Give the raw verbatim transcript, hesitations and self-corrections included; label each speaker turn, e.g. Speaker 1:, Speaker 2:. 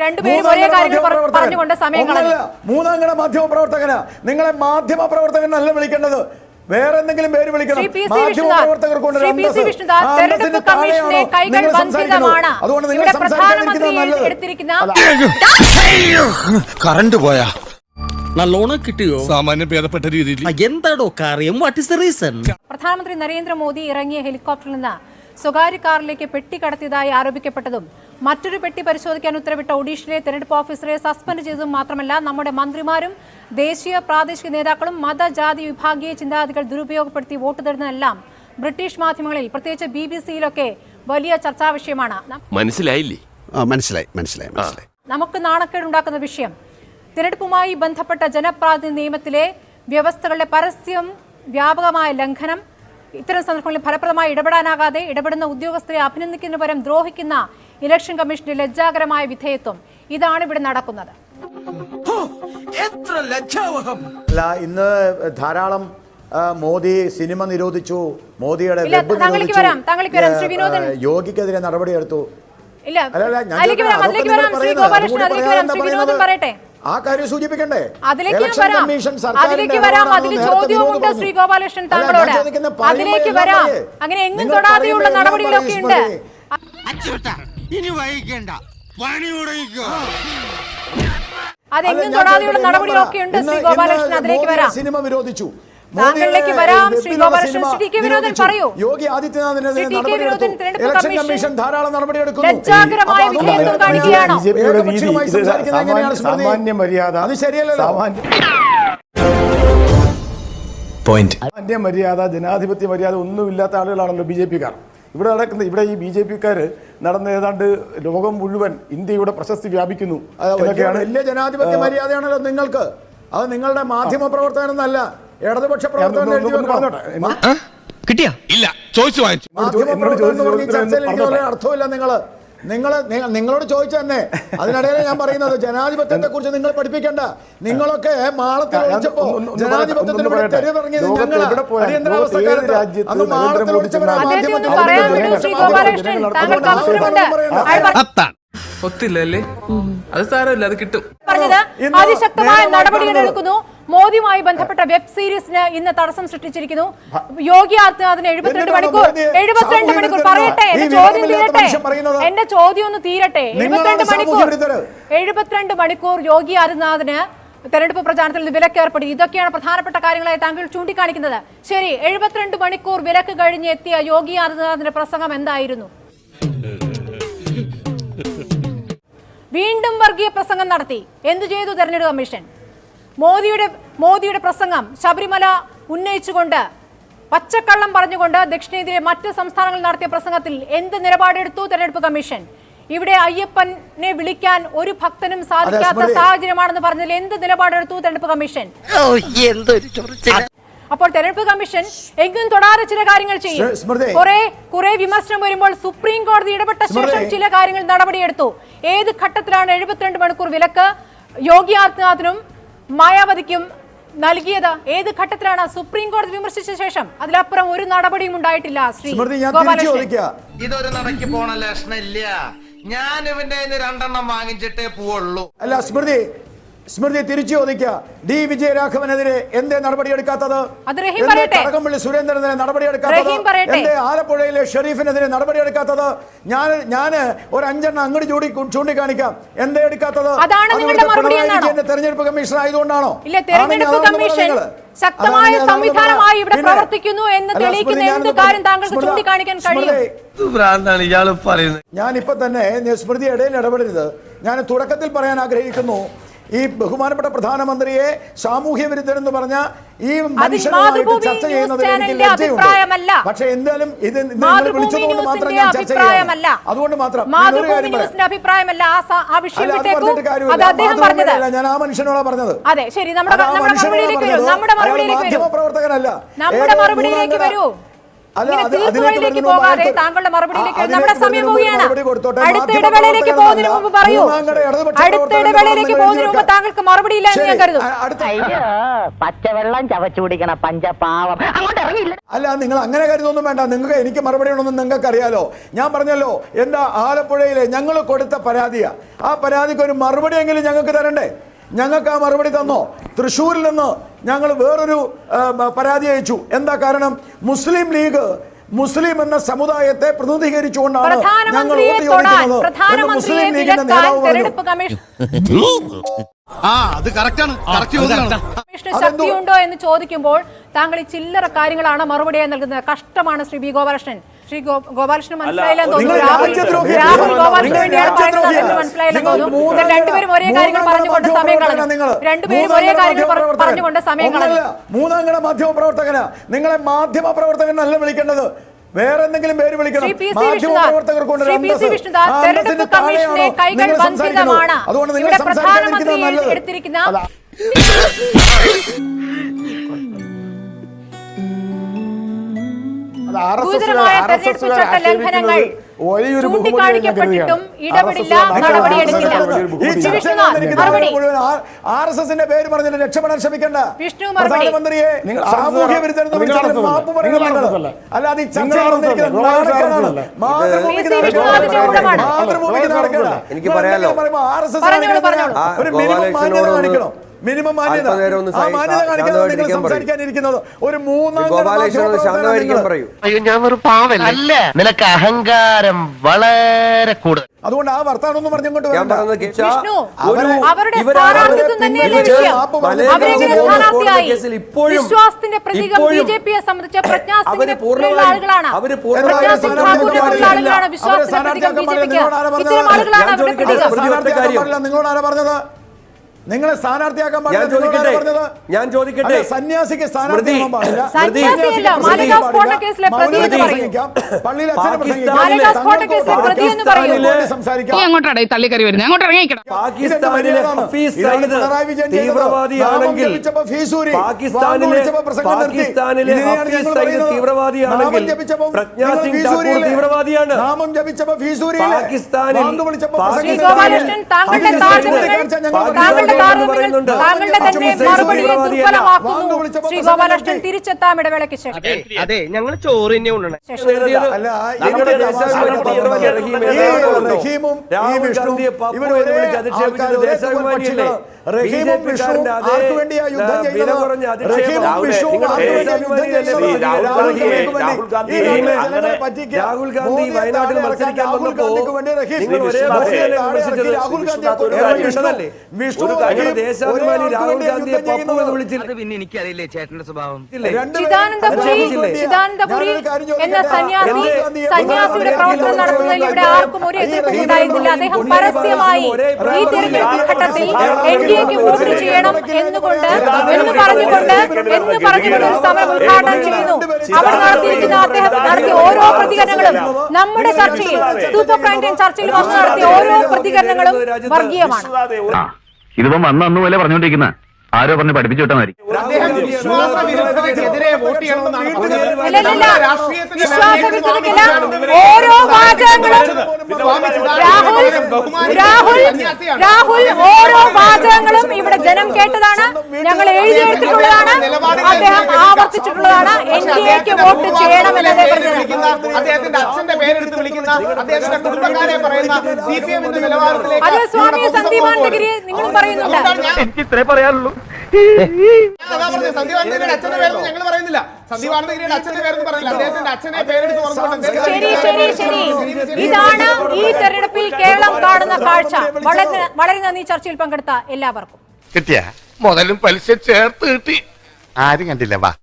Speaker 1: രണ്ടുപേരും ഒരേ കാര്യങ്ങൾ പറഞ്ഞുകൊണ്ട് സമയം കളഞ്ഞു.
Speaker 2: മൂന്നാംഗണ മാധ്യമ പ്രവർത്തകനാ. നിങ്ങളെ മാധ്യമ പ്രവർത്തകനല്ല വിളിക്കേണ്ടത്, വേറെ എന്തെങ്കിലും പേര് വിളിക്കണം. മാധ്യമ പ്രവർത്തകർ കൊണ്ട് അതുകൊണ്ട് നിങ്ങൾ
Speaker 3: കറണ്ട് പോയാ
Speaker 4: നല്ലോണം കിട്ടിയോ?
Speaker 3: സാമാന്യം ഭേദപ്പെട്ട രീതിയിൽ.
Speaker 4: എന്താടോ കാര്യം? What is the reason?
Speaker 1: പ്രധാനമന്ത്രി നരേന്ദ്രമോദി ഇറങ്ങിയ ഹെലികോപ്റ്ററിൽ നിന്ന് സ്വകാര്യ കാറിലേക്ക് പെട്ടി കടത്തിയതായി ആരോപിക്കപ്പെട്ടതും മറ്റൊരു പെട്ടി പരിശോധിക്കാൻ ഉത്തരവിട്ട ഒഡീഷയിലെ തെരഞ്ഞെടുപ്പ് ഓഫീസറെ സസ്പെൻഡ് ചെയ്തതും മാത്രമല്ല, നമ്മുടെ മന്ത്രിമാരും ദേശീയ പ്രാദേശിക നേതാക്കളും മത ജാതി വിഭാഗീയ ചിന്താഗതികൾ ദുരുപയോഗപ്പെടുത്തി വോട്ട് തരുന്നതെല്ലാം ബ്രിട്ടീഷ് മാധ്യമങ്ങളിൽ പ്രത്യേകിച്ച് ബി ബി സിയിലൊക്കെ വലിയ ചർച്ചാ വിഷയമാണ്.
Speaker 3: മനസ്സിലായില്ലേ?
Speaker 5: മനസ്സിലായി മനസ്സിലായി മനസ്സിലായി
Speaker 1: നമുക്ക് നാണക്കേടുണ്ടാക്കുന്ന വിഷയം തിരഞ്ഞെടുപ്പുമായി ബന്ധപ്പെട്ട ജനപ്രാതിനിധ്യ നിയമത്തിലെ വ്യവസ്ഥകളുടെ പരസ്യം വ്യാപകമായ ലംഘനം, ഇത്തരം സന്ദർഭങ്ങളിൽ ഫലപ്രദമായി ഇടപെടാനാകാതെ ഇടപെടുന്ന ഉദ്യോഗസ്ഥരെ അഭിനന്ദിക്കുന്നതിന് പകരം ദ്രോഹിക്കുന്ന ഇലക്ഷൻ കമ്മീഷന്റെ ലജ്ജാകരമായ വിധേയത്വം, ഇതാണ് ഇവിടെ നടക്കുന്നത്.
Speaker 2: അല്ല, ഇന്ന് ധാരാളം മോദി സിനിമ നിരോധിച്ചു, മോദിയുടെ യോഗിക്കെതിരെ നടപടിയെടുത്തു. ആ കാര്യം സൂചിപ്പിക്കണ്ടേ?
Speaker 1: അതിലേക്ക് വരാം, അതിലേക്ക് വരാം. അതിൽ ചോദ്യവുമുണ്ട് ശ്രീ ഗോപാലകൃഷ്ണൻ താങ്കളോട്. അതിലേക്ക് വരാം. അങ്ങനെ എങ്ങും തൊടാതെയുള്ള നടപടികളൊക്കെ ഉണ്ട്. അതെങ്ങും തൊടാതെയുള്ള നടപടികളൊക്കെ ഉണ്ട് ശ്രീ ഗോപാലകൃഷ്ണൻ. അതിലേക്ക് വരാം.
Speaker 2: സിനിമ വിരോധിച്ചു,
Speaker 1: താങ്കളിലേക്ക് വരാം ശ്രീ ഗോപാലകൃഷ്ണൻ. ശ്രീ കെ വിനോദൻ പറയൂ.
Speaker 2: യോഗി ആദിത്യനാഥിനെതിരെ നടപടിയെടുത്തു. ഇലക്ഷൻ കമ്മീഷൻ ധാരാളം നടപടിയെടുക്കുന്നു.
Speaker 1: ലജ്ജാകരമായ വിധേയത്വം കാണിക്കുകയാണോ?
Speaker 5: സാമാന്യ മര്യാദ
Speaker 2: അത് ശരിയല്ലല്ലോ.
Speaker 5: സാമാന്യ മര്യാദ, ജനാധിപത്യ മര്യാദ ഒന്നുമില്ലാത്ത ആളുകളാണല്ലോ ബി ജെ പിക്കാർ. ഇവിടെ നടക്കുന്ന ഇവിടെ ഈ ബി ജെ പിക്കാർ നടന്ന ഏതാണ്ട് ലോകം മുഴുവൻ ഇന്ത്യയുടെ പ്രശസ്തി വ്യാപിക്കുന്നു.
Speaker 2: വലിയ ജനാധിപത്യ മര്യാദയാണല്ലോ നിങ്ങൾക്ക്. അത് നിങ്ങളുടെ മാധ്യമ പ്രവർത്തകനൊന്നല്ല, ഇടതുപക്ഷ പ്രവർത്തകൻ
Speaker 3: കിട്ടിയ ഇല്ല ചോദിച്ചു വാങ്ങിച്ചു.
Speaker 2: അർത്ഥമില്ല. നിങ്ങള് നിങ്ങള് നിങ്ങളോട് ചോദിച്ചു തന്നെ. അതിനിടയിൽ ഞാൻ പറയുന്നത് ജനാധിപത്യത്തെ കുറിച്ച് നിങ്ങൾ പഠിപ്പിക്കേണ്ട. നിങ്ങളൊക്കെ മാളത്തിൽ ഒളിച്ചപ്പോ ജനാധിപത്യത്തിന് തെരുവിറങ്ങിയത് ഞങ്ങളാണ്. അടിയന്തരാവസ്ഥക്കാലത്ത് അന്ന് മാളത്തിൽ ഒളിച്ചവരാ മാധ്യമത്തിൽ.
Speaker 6: ഒത്തില്ലല്ലേ? അത് സാരമില്ല, അത് കിട്ടും.
Speaker 1: പറഞ്ഞത് അതിശക്തമായ നടപടികൾ എടുക്കുന്നു. മോദിയുമായി ബന്ധപ്പെട്ട വെബ് സീരീസിന് ഇന്ന് തടസ്സം സൃഷ്ടിച്ചിരിക്കുന്നു. യോഗി ആദിത്യനാഥിന് എഴുപത്തിരണ്ട് മണിക്കൂർ എഴുപത്തിരണ്ട് മണിക്കൂർ പറയട്ടെ, എന്റെ ചോദ്യം തീരട്ടെ, എന്റെ ചോദ്യം ഒന്ന് തീരട്ടെ. എഴുപത്തിരണ്ട് മണിക്കൂർ എഴുപത്തിരണ്ട് മണിക്കൂർ യോഗി ആദിത്യനാഥിന് തെരഞ്ഞെടുപ്പ് പ്രചാരണത്തിൽ നിന്ന് വിലക്ക് ഏർപ്പെടുത്തി. ഇതൊക്കെയാണ് പ്രധാനപ്പെട്ട കാര്യങ്ങളായി താങ്കൾ ചൂണ്ടിക്കാണിക്കുന്നത്. ശരി, എഴുപത്തിരണ്ട് മണിക്കൂർ വിലക്ക് കഴിഞ്ഞ് എത്തിയ യോഗി ആദിത്യനാഥിന്റെ പ്രസംഗം എന്തായിരുന്നു? വീണ്ടും വർഗീയ പ്രസംഗം നടത്തി. എന്തു ചെയ്തു തെരഞ്ഞെടുപ്പ് കമ്മീഷൻ? മോദിയുടെ മോദിയുടെ പ്രസംഗം ശബരിമല ഉന്നയിച്ചുകൊണ്ട് പച്ചക്കള്ളം പറഞ്ഞുകൊണ്ട് ദക്ഷിണേന്ത്യയിലെ മറ്റ് സംസ്ഥാനങ്ങളിൽ നടത്തിയ പ്രസംഗത്തിൽ എന്ത് നിലപാടെടുത്തു തെരഞ്ഞെടുപ്പ് കമ്മീഷൻ? ഇവിടെ അയ്യപ്പനെ വിളിക്കാൻ ഒരു ഭക്തനും സാധിക്കാത്ത സാഹചര്യമാണെന്ന് പറഞ്ഞതിൽ എന്ത് നിലപാടെടുത്തു തെരഞ്ഞെടുപ്പ് കമ്മീഷൻ? അപ്പോൾ തെരഞ്ഞെടുപ്പ് കമ്മീഷൻ എങ്ങും തൊടാതെ ചില കാര്യങ്ങൾ ചെയ്യും. കുറെ കുറെ വിമർശനം വരുമ്പോൾ സുപ്രീം കോടതി ഇടപെട്ട ശേഷം ചില കാര്യങ്ങൾ നടപടിയെടുത്തു. ഏത് ഘട്ടത്തിലാണ് എഴുപത്തിരണ്ട് മണിക്കൂർ വിലക്ക് യോഗി ആദിത്യനാഥിനും മായാവതിക്കും നൽകിയത്? ഏത് ഘട്ടത്തിലാണ്? സുപ്രീം കോടതി വിമർശിച്ച ശേഷം. അതിലപ്പുറം ഒരു നടപടിയും ഉണ്ടായിട്ടില്ല. ശ്രീ
Speaker 7: ഇതൊരു നടക്കി പോണ ലക്ഷണില്ല. ഞാൻ ഇവന്റെ രണ്ടെണ്ണം വാങ്ങിച്ചിട്ടേ പോവുള്ളൂ.
Speaker 2: അല്ല സ്മൃതി, സ്മൃതി തിരിച്ചു ചോദിക്കുക. ഡി വിജയരാഘവനെതിരെ എന്തേ നടപടിയെടുക്കാത്തത്? കടകംപള്ളി സുരേന്ദ്രനെതിരെ നടപടിയെടുക്കാത്തത്? എന്തേ ആലപ്പുഴയിലെ ഷെരീഫിനെതിരെ നടപടിയെടുക്കാത്തത്? ഞാൻ ഞാന് ഒരു അഞ്ചെണ്ണം അങ്ങോട്ട് ചൂണ്ടി ചൂണ്ടിക്കാണിക്കാം. എന്തേ എടുക്കാത്തത്? തെരഞ്ഞെടുപ്പ് കമ്മീഷൻ ആയതുകൊണ്ടാണോ?
Speaker 1: ശക്തമായ സംവിധാനമായി ഇവിടെ പ്രവർത്തിക്കുന്നു എന്ന് തെളിയിക്കുന്ന എന്ത് കാര്യം താങ്കൾക്ക് ചൂണ്ടിക്കാണിക്കാൻ കഴിയും?
Speaker 2: ഞാൻ ഇപ്പൊ തന്നെ സ്മൃതി ഇടയിൽ ഇടപെടരുത്. ഞാൻ തുടക്കത്തിൽ പറയാൻ ആഗ്രഹിക്കുന്നു, ഈ ബഹുമാനപ്പെട്ട പ്രധാനമന്ത്രിയെ സാമൂഹ്യ വിരുദ്ധൻ എന്ന് പറഞ്ഞ ഈ മനുഷ്യനുമായിട്ട് ചർച്ച ചെയ്യുന്നതിൽ എനിക്ക് ലജ്ജയുണ്ട്. പക്ഷെ എന്തായാലും ഇത് വിളിച്ചതുകൊണ്ട് മാത്രം ഞാൻ ചർച്ച ചെയ്യാം. അതുകൊണ്ട് മാത്രം ഞാൻ ആ മനുഷ്യനോടാ പറഞ്ഞത്.
Speaker 1: മാധ്യമ
Speaker 2: പ്രവർത്തകനല്ല.
Speaker 1: തീർപ്പുകളിലേക്ക് പോകാതെ താങ്കളുടെ മറുപടിയിലേക്ക് നമ്മുടെ സമയം പോവുകയാണ്. അടുത്ത ഇടവേളയിലേക്ക് പോകുന്നതിന് മുമ്പ് പറയൂ. അടുത്ത ഇടവേളയിലേക്ക് പോകുന്നതിന് മുമ്പ് താങ്കൾക്ക് മറുപടി ഇല്ല എന്ന് ഞാൻ കരുതുന്നു.
Speaker 8: പച്ചവെള്ളം ചവച്ചു കുടിക്കണ പഞ്ചപാവം അങ്ങോട്ട് ഇറങ്ങിയില്ല.
Speaker 2: അല്ല, നിങ്ങൾ അങ്ങനെ കരുതൊന്നും വേണ്ട. നിങ്ങൾക്ക് എനിക്ക് മറുപടി ഉണ്ടെന്ന് നിങ്ങൾക്ക് അറിയാലോ. ഞാൻ പറഞ്ഞല്ലോ, എന്താ ആലപ്പുഴയിലെ ഞങ്ങൾ കൊടുത്ത പരാതിയാ. ആ പരാതിക്ക് ഒരു മറുപടി എങ്കിലും ഞങ്ങൾക്ക് തരണ്ടേ? ഞങ്ങൾക്ക് ആ മറുപടി തന്നോ? തൃശ്ശൂരിൽ നിന്ന് ഞങ്ങൾ വേറൊരു പരാതി അയച്ചു. എന്താ കാരണം? മുസ്ലിം ലീഗ് മുസ്ലിം എന്ന സമുദായത്തെ പ്രതിനിധീകരിച്ചുകൊണ്ടാണ് ഞങ്ങൾ വോട്ട് ചോദിക്കുന്നത്. മുസ്ലിം ലീഗിന്റെ നേതാവ് പറഞ്ഞു.
Speaker 1: ശക്തിയുണ്ടോ എന്ന് ചോദിക്കുമ്പോൾ താങ്കൾ ഈ ചില്ലറ കാര്യങ്ങളാണ് മറുപടിയായി നൽകുന്നത്. കഷ്ടമാണ് ശ്രീ ബി ഗോപാലകൃഷ്ണൻ. ശ്രീ ഗോപാലകൃഷ്ണൻ മനസ്സിലായില്ലെന്ന് തോന്നുന്നു. രാഹുൽ രാഹുൽ ഗോപാലകൃഷ്ണൻ വേണ്ടിയാണ് പറയുന്നത് മനസ്സിലായില്ലെന്ന് തോന്നുന്നു. രണ്ടുപേരും ഒരേ കാര്യങ്ങൾ പറഞ്ഞുകൊണ്ട് സമയം കളഞ്ഞു. രണ്ടുപേരും ഒരേ കാര്യങ്ങൾ പറഞ്ഞുകൊണ്ട് സമയം കളഞ്ഞു.
Speaker 2: മൂന്നാംകട മാധ്യമ പ്രവർത്തകനാ. നിങ്ങളെ മാധ്യമ പ്രവർത്തകൻ അല്ല വിളിക്കേണ്ടത്, വേറെ എന്തെങ്കിലും പേര് വിളിക്കണം. മാധ്യമ പ്രവർത്തകർക്കുണ്ട്
Speaker 1: തെരഞ്ഞെടുപ്പ് കമ്മീഷന്റെ കൈകൾ ബന്ധിതമാണ്. ഇവിടെ പ്രധാനമന്ത്രി എടുത്തിരിക്കുന്ന ഗുരുതരമായ തെരഞ്ഞെടുപ്പ് ചട്ട ലംഘനങ്ങൾ ചൂണ്ടിക്കാണിക്കപ്പെട്ടിട്ടും ഇടപെടില്ല, നടപടിയെടുക്കില്ല.
Speaker 2: ആർ എസ് എസിന്റെ പേര് പറഞ്ഞിട്ട് രക്ഷപ്പെടാൻ ശ്രമിക്കണ്ട.
Speaker 1: വിഷ്ണു
Speaker 2: പ്രധാനമന്ത്രിയെ സാമൂഹ്യ വിരുദ്ധ മാപ്പ് പറയുന്നത് അല്ലാതെ ഈ ചർച്ച
Speaker 9: എനിക്ക് പറയാലോ,
Speaker 2: ആർ എസ് എസ് ഒരു മിനിമം മാന്യത കാണിക്കണം. മിനിമം മാന്യത ആ മാന്യത കാണിക്കാതെ നിങ്ങൾ സംസാരിക്കാനിരിക്കുന്നത് ഒരു മൂന്നാം
Speaker 9: പറയൂ.
Speaker 7: അയ്യോ, ഞാൻ ഒരു പാവല്ല. നിനക്ക് അഹങ്കാരം വളരെ കൂടുതൽ.
Speaker 2: അതുകൊണ്ട് ആ വർത്താനം ഒന്നും പറഞ്ഞുകൊണ്ട്
Speaker 1: വിശ്വാസത്തിന്റെ പ്രതീകം ബി ജെ പിയെ സംബന്ധിച്ച പ്രജ്ഞാ സിംഗിനെ പോലുള്ള ആളുകളാണ്. പ്രജ്ഞാ സിംഗ് ഠാക്കൂറിനെ പോലുള്ള ആളുകളാണ് വിശ്വാസത്തിന്റെ പ്രതീകം ബി ജെ പിക്ക്. ഇത്തരം ആളുകളാണ് അവരുടെ പ്രതീകം.
Speaker 2: നിങ്ങളോട് ആരാ പറഞ്ഞത്? നിങ്ങളെ സ്ഥാനാർത്ഥിയാക്കാൻ
Speaker 9: ഞാൻ ചോദിക്കട്ടെ,
Speaker 2: സന്യാസിക്ക്
Speaker 9: തീവ്രവാദിയാണെങ്കിൽ പാകിസ്ഥാനിലെ തീവ്രവാദിയാണെങ്കിൽ പ്രജ്ഞാ സിംഗ് ഠാക്കൂർ തീവ്രവാദിയാണ്.
Speaker 2: നാമം ജപിച്ചപ്പോ ഫീസൂരിയിൽ
Speaker 9: പാകിസ്ഥാനിൽ
Speaker 1: താങ്കളുടെ തന്നെ മറുപടിയെ ദുർബലമാക്കുന്നു. ശ്രീ ഗോപാലകൃഷ്ണൻ തിരിച്ചെത്താം ഇടവേളയ്ക്ക് ശേഷം.
Speaker 7: അതെ, ഞങ്ങൾ ചോറ് തന്നെ ഉണ്ണണം.
Speaker 9: രാഹുൽ ഗാന്ധി വയനാട്ടിൽ മത്സരിക്കാൻ വന്നപ്പോ നിങ്ങൾ ഒരേ ദേശാഭിമാനി രാഹുൽ ഗാന്ധിയെ പപ്പു എന്ന് വിളിച്ചില്ല.
Speaker 7: പിന്നെ എനിക്കറിയില്ലേ ചേട്ടന്റെ സ്വഭാവം.
Speaker 1: ചിദാനന്ദപുരി എന്ന സന്യാസി സന്യാസിയുടെ പ്രവർത്തനം നടത്തുന്നതിൽ ഇവിടെ ആർക്കും ഒരു എതിർപ്പും ഉണ്ടായിരുന്നില്ല. അദ്ദേഹം പരസ്യമായി ഈ തെരഞ്ഞെടുപ്പ് ഘട്ടത്തിൽ എൻ ഡി എക്ക് വോട്ട് ചെയ്യണം എന്നുകൊണ്ട് എന്ന് പറഞ്ഞുകൊണ്ട് എന്ന് പറഞ്ഞുകൊണ്ട് ഒരു സമരം ഉദ്ഘാടനം ചെയ്യുന്നു. അവിടെ നടത്തിയിരിക്കുന്ന അദ്ദേഹം നടത്തിയ ഓരോ പ്രതികരണങ്ങളും നമ്മുടെ ചർച്ചയിൽ സൂപ്പർ പ്രൈം ടൈം ചർച്ചയിൽ വന്ന് നടത്തിയ ഓരോ പ്രതികരണങ്ങളും വർഗീയമാണ്.
Speaker 10: ഇതിപ്പം വന്ന് അന്ന് പോലെ പറഞ്ഞോണ്ടിരിക്കുന്ന ആരോ പറഞ്ഞ് പഠിപ്പിച്ചു വിട്ടാൽ മതി.
Speaker 1: ഓരോ വാചകങ്ങളും രാഹുൽ രാഹുൽ രാഹുൽ ഓരോ വാചകങ്ങളും ഇവിടെ ജനം കേട്ടതാണ്, ഞങ്ങൾ എഴുതിയെടുത്തിട്ടുള്ളതാണ്, അദ്ദേഹം ആവർത്തിച്ചിട്ടുള്ളതാണ്. എൻ ഡി എക്ക് വോട്ട് ചെയ്യണമെന്നത്
Speaker 11: അദ്ദേഹത്തിന്റെ അച്ഛന്റെ പേരെടുത്ത് വിളിക്കുന്ന അദ്ദേഹത്തിന്റെ കുടുംബക്കാരെ പറയുന്ന സി പി എമ്മിന്റെ നിലവാരത്തിലേക്ക്
Speaker 1: അത് സ്വാമി സന്ദീപാനന്ദഗിരി നിങ്ങളും പറയുന്നുണ്ട്.
Speaker 10: എനിക്ക് ഇത്രേ പറയാനുള്ളൂ.
Speaker 11: സന്ദീപാനന്ദഗിരിയുടെ അച്ഛന്റെ പേരൊന്നും ഞങ്ങൾ പറയുന്നില്ല. സന്ദീപാനന്ദഗിരിയുടെ അച്ഛന്റെ പേരൊന്നും പറയുന്നില്ല. അദ്ദേഹത്തിന്റെ അച്ഛനെ പേരെടുത്ത് പറഞ്ഞുകൊണ്ട്
Speaker 1: ശരി ശരി ശരി ഇതാണ് ഈ തെരഞ്ഞെടുപ്പിൽ കേരളം കാണുന്ന കാഴ്ച. വളരെ വളരെ നന്ദി ചർച്ചയിൽ പങ്കെടുത്ത എല്ലാവർക്കും.
Speaker 3: കിട്ടിയ മുതലും പലിശ ചേർത്ത് കിട്ടി. ആരും കണ്ടില്ല. വാ.